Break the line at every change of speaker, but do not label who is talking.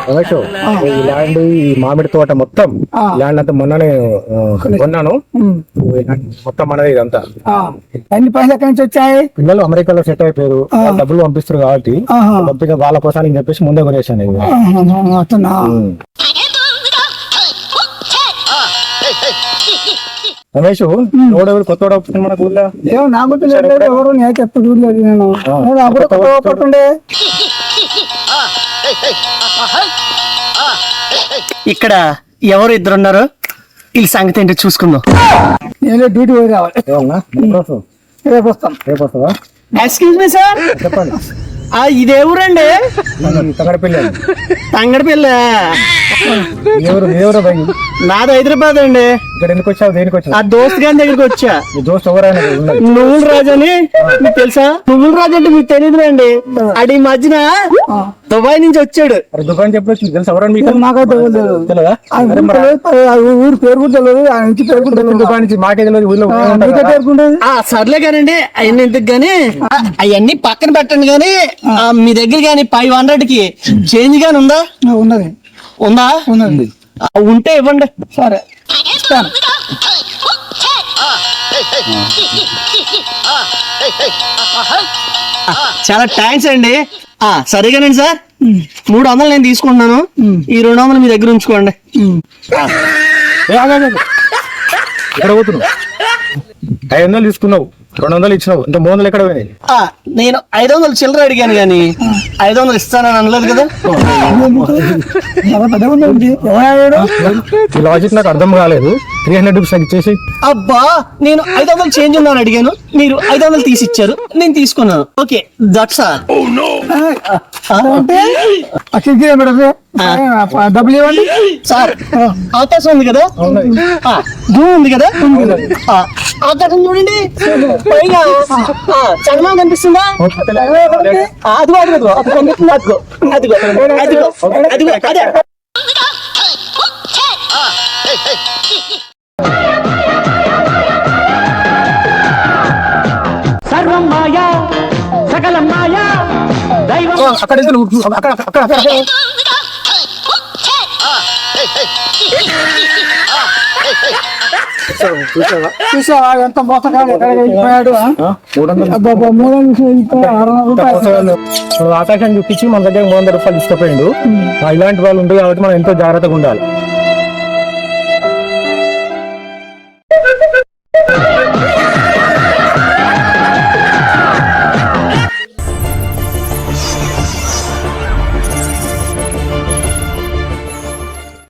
రమేష్, ఈ ల్యాండ్ ఈ మామిడి తోట మొత్తం ల్యాండ్ అంతా మొన్ననే కొన్నాను. మొత్తం మనది ఇదంతా.
ఎన్ని పైసలు ఎక్కడి నుంచి వచ్చాయి?
పిల్లలు అమెరికాలో సెట్ అయిపోయారు, డబ్బులు పంపిస్తారు కాబట్టి పంపిక వాళ్ళ కోసానికి చెప్పేసి ముందే కొనేసాను ఇది. రమేష్, ఎవడెవరు కొత్త మన ఊళ్ళో
ఏమో నాకు తెలియదు, ఎవరు నేను చెప్ప చూడలేదు. నేను పట్టుండే
ఇక్కడ ఎవరు ఇద్దరున్నారు, వీళ్ళ సంగతి ఏంటో చూసుకుందాం.
నేను డ్యూటీ పోయి రావాలి. రేపు వస్తాం.
రేపు వస్తావా?
ఎక్స్క్యూజ్ మీ సార్,
చెప్పండి.
ఇది ఎవరండి?
తంగడపల్లి.
తంగడపల్లి
ఎవరు?
నాది హైదరాబాద్ అండి.
ఇక్కడ ఎందుకు వచ్చావు? దేనికి వచ్చావు?
ఆ దోస్త్ గారి దగ్గరికి వచ్చా.
మీ దోస్త్ ఎవరైనా
నువ్వుల రాజు అని మీకు తెలుసా? నువ్వుల రాజు అంటే మీకు తెలియదు అండి. అది మధ్యన దుబాయ్ నుంచి వచ్చాడు.
దుబాయ్ చెప్పొచ్చు, తెలుసు ఎవరైనా మీకు?
మాకైతే
తెలియదా?
ఊరు పేరు కూడా తెలియదు, ఆ నుంచి పేరు కూడా తెలియదు.
దుబాయ్ నుంచి మాకే తెలియదు, ఊళ్ళో
పేరుకుంటుంది.
సర్లే కానండి, అవన్నీ ఎందుకు గాని అవన్నీ పక్కన పెట్టండి. గాని మీ దగ్గర గాని 500 కి చేంజ్ గాని ఉందా?
ఉన్నది.
ఉందా?
ఉన్నది.
ఉంటే ఇవ్వండి.
సరే ఇస్తాను.
చాలా థ్యాంక్స్ అండి. సరేగానండి సార్, 300 నేను తీసుకుంటున్నాను. ఈ 200 మీ దగ్గర ఉంచుకోండి.
ఇక్కడ పోతున్నావు? 500 తీసుకున్నావు, 200 ఇచ్చినావు, ఇంకా 300 ఎక్కడ పోయినాయి?
నేను 500 చిల్లర అడిగాను గాని 500 ఇస్తానని అనలేదు కదా.
ఈ లాజిక్ నాకు అర్థం కాలేదు. 300 రూపీస్ నాకు ఇచ్చేసి.
అబ్బా, నేను 500 చేంజ్ ఉందని అడిగాను, మీరు 500 తీసి ఇచ్చారు, నేను తీసుకున్నాను. Okay, that's all.
డబ్బులు ఇవ్వండి
సార్. అవకాశం ఉంది కదా, జూమ్ ఉంది కదా, అవకాశం చూడండి. పైగా చంద్రమా కనిపిస్తుందా? అదిగో అదిగో అది కనిపిస్తుంది. అదిగో అదిగో అదిగో అదిగో అదే. సర్వం మాయా సకలం మాయా దైవం.
చూసావా ఎంత మోసగాడు ఎక్కడిపోయాడు? 300 రూపాయలు
ఆకాశాన్ని చూపించి మన దగ్గర 300 రూపాయలు తీసుకుపోయిండు. ఇలాంటి వాళ్ళు ఉంటారు కాబట్టి మనం ఎంతో జాగ్రత్తగా ఉండాలి.